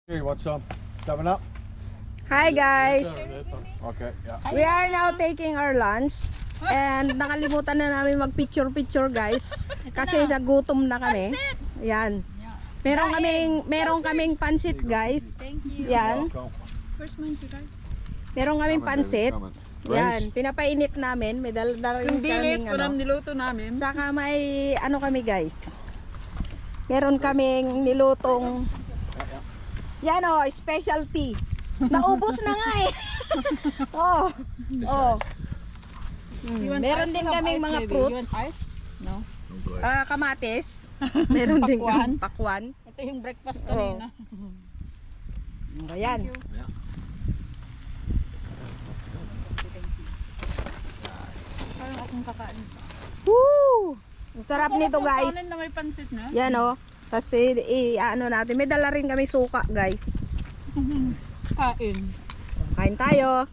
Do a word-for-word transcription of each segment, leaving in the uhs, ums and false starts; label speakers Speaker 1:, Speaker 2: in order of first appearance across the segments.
Speaker 1: Hey, what's up? Seven up?
Speaker 2: Hi guys!
Speaker 1: Okay, yeah.
Speaker 2: We are now taking our lunch and nakalimutan na namin mag-picture-picture guys kasi nagutom na kami. Yan. Meron kaming meron kaming pansit guys.
Speaker 3: Thank you.
Speaker 2: Yan.
Speaker 1: Welcome.
Speaker 3: First month, you guys.
Speaker 2: Meron kaming pansit.
Speaker 1: Come on.
Speaker 2: Yan, pinapainit namin. May dala-dala rin
Speaker 3: Yung dilis
Speaker 2: kaming
Speaker 3: ko lang
Speaker 2: ano.
Speaker 3: niluto namin.
Speaker 2: Saka may ano kami guys. Meron kaming nilutong yan o, specialty. Naubos na nga eh. oh. Oh. Mm,
Speaker 3: You want
Speaker 2: meron
Speaker 3: ice?
Speaker 2: din
Speaker 3: You have
Speaker 2: kaming
Speaker 3: ice,
Speaker 2: mga
Speaker 3: baby?
Speaker 2: fruits.
Speaker 3: You want ice? No.
Speaker 2: Ah, kamatis. Meron din
Speaker 3: Pakwan.
Speaker 2: kaming pakwan.
Speaker 3: Ito yung breakfast
Speaker 2: Oh.
Speaker 3: kanina.
Speaker 2: Ayan.
Speaker 3: Parang akong kakain.
Speaker 2: Woo! Ang sarap nito guys.
Speaker 3: Kanin na may pansit na.
Speaker 2: Yan o. Tapos i, i- ano natin. May dala rin kami suka guys.
Speaker 3: Kain.
Speaker 2: Kain tayo.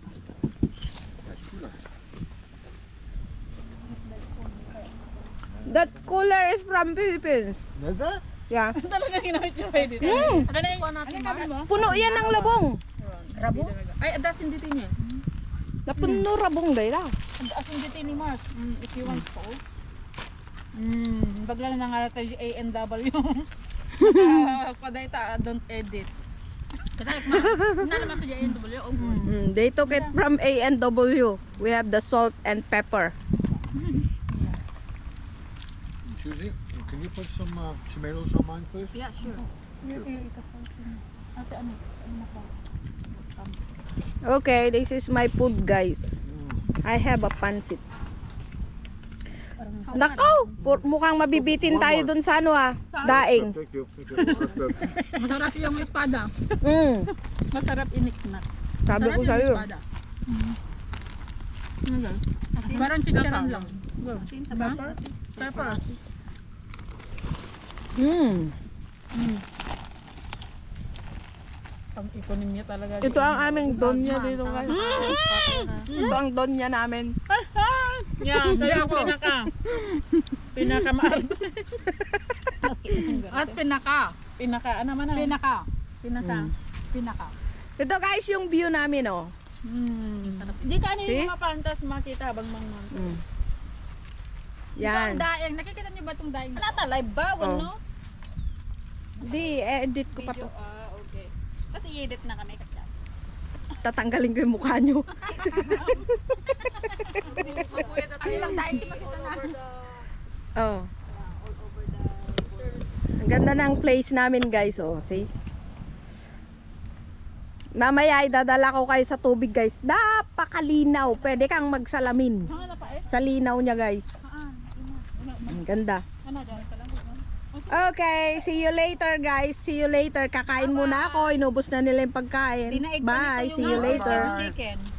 Speaker 2: That cooler is from Philippines.
Speaker 1: Is that?
Speaker 2: Yeah.
Speaker 3: Talaga ginamit niyo kayo dito.
Speaker 2: Mm.
Speaker 3: Ano na yung natin ba?
Speaker 2: Puno yan ng labong.
Speaker 3: Rabo? Ay, adasin dito niya.
Speaker 2: Napuno rabong dahil ah.
Speaker 3: Adasin dito ni Mars. Mm, if you want sauce. Mm, bagla na nga tayo A N W. Paday ta, don't edit. Kasi ma, na naman to A N W. Oh, good.
Speaker 2: Mm, they took it from A and W. We have the salt and pepper.
Speaker 1: Susie, can you put some uh, tomatoes on mine, please?
Speaker 3: Yeah, sure. Ate, ano? Ano na ba?
Speaker 2: Okay, this is my food guys.
Speaker 1: Mm.
Speaker 2: I have a pansit. Nakaw! Pu- Mukhang mabibitin tayo dun sa ano ah. Daing.
Speaker 1: Thank you. Thank you. That's good.
Speaker 3: Masarap yung espada.
Speaker 2: Mm.
Speaker 3: Masarap iniknak.
Speaker 2: Sabi ko
Speaker 3: Masarap
Speaker 2: sa'yo.
Speaker 3: yung espada. Ano ba? Parang chicharon lang.
Speaker 4: Asin sa
Speaker 3: Diba?
Speaker 4: pepper.
Speaker 3: Pepper.
Speaker 2: Mm.
Speaker 3: Ang ekonomiya talaga.
Speaker 2: Ito ang aming donya dito guys. Ito ang donya namin.
Speaker 3: Yan, kaya ako pinaka. Pinaka maarte. At pinaka. Pinaka, ano man na? Pinaka. Pinaka. Pinaka.
Speaker 2: Ito guys yung view namin oh.
Speaker 3: Mm. Di ka
Speaker 2: See?
Speaker 3: yung mga pantas makita habang mga
Speaker 2: Mm.
Speaker 3: Yan.
Speaker 2: Yan.
Speaker 3: Daing, nakikita niyo ba itong daing? Wala ta, live ba? Wano?
Speaker 2: Di, edit ko pa to.
Speaker 3: Ah, okay. Kasi i-edit na kami kasi.
Speaker 2: Tatanggalin ko yung mukha nyo.
Speaker 3: Ano lang daing, di makita na.
Speaker 2: Oh. Ang ganda ng place namin guys oh. See? Mamaya idadala ko kayo sa tubig guys. Napakalinaw. Pwede kang magsalamin.
Speaker 3: Hanga na pa eh.
Speaker 2: Sa linaw niya guys.
Speaker 3: Ah,
Speaker 2: Ang ganda.
Speaker 3: ano, dyan ka lang.
Speaker 2: Okay, see you later guys. See you later. Kakain muna ako. Inubos na nila yung pagkain. Bye. See you later.
Speaker 3: Chicken.